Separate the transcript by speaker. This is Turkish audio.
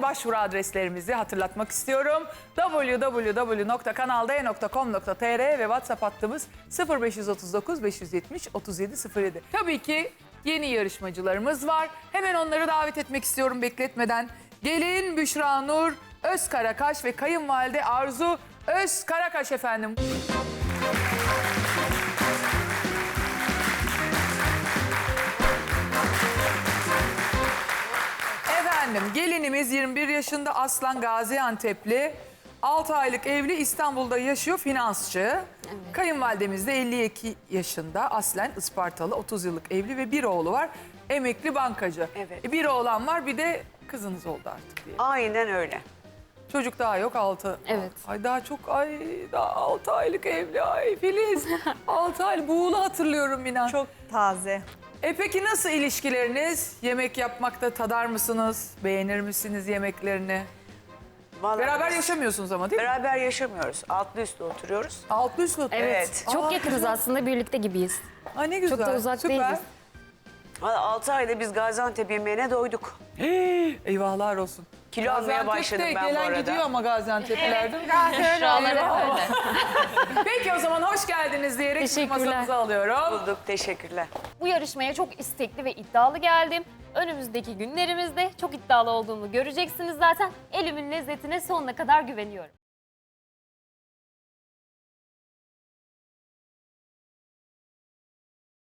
Speaker 1: başvuru adreslerimizi hatırlatmak istiyorum. www.kanalde.com.tr ve WhatsApp hattımız 0539 570 3707. Tabii ki yeni yarışmacılarımız var. Hemen onları davet etmek istiyorum bekletmeden. Gelin Büşra Nur Özkarakaş ve kayınvalide Arzu Özkarakaş efendim. Efendim gelinimiz 21 yaşında, aslan Gaziantep'li, 6 aylık evli, İstanbul'da yaşıyor, finansçı. Evet. Kayınvalidemiz de 52 yaşında, aslen Ispartalı, 30 yıllık evli ve bir oğlu var, emekli bankacı.
Speaker 2: Evet.
Speaker 1: Bir oğlan var, bir de kızınız oldu artık diye.
Speaker 2: Aynen öyle.
Speaker 1: Çocuk daha yok, 6.
Speaker 3: Evet.
Speaker 1: Ay daha çok, daha 6 aylık evli, ay Filiz. 6 ay, buğulu hatırlıyorum inan.
Speaker 4: Çok taze.
Speaker 1: Peki nasıl ilişkileriniz? Yemek yapmakta tadar mısınız? Beğenir misiniz yemeklerini?
Speaker 2: Vallahi
Speaker 1: Beraber
Speaker 2: biz
Speaker 1: yaşamıyorsunuz ama değil mi?
Speaker 2: beraber yaşamıyoruz. Altlı üstlü oturuyoruz.
Speaker 1: Altlı üstlü.
Speaker 2: Evet.
Speaker 3: Çok yakınız aslında, birlikte gibiyiz.
Speaker 1: Ay ne güzel.
Speaker 3: Çok da uzak
Speaker 1: Süper.
Speaker 3: değiliz.
Speaker 2: 6 ayda biz Gaziantep yemeğine doyduk.
Speaker 1: Eyvahlar olsun.
Speaker 2: Kilo almaya başladım ben bu
Speaker 1: gelen
Speaker 2: arada.
Speaker 1: gidiyor ama Gaziantep'lerde. Peki o zaman hoş geldiniz diyerek
Speaker 3: Teşekkürler.
Speaker 1: masamıza alıyorum.
Speaker 2: Bulduk, teşekkürler.
Speaker 5: Bu yarışmaya çok istekli ve iddialı geldim. Önümüzdeki günlerimizde çok iddialı olduğumu göreceksiniz zaten. Elimin lezzetine sonuna kadar güveniyorum.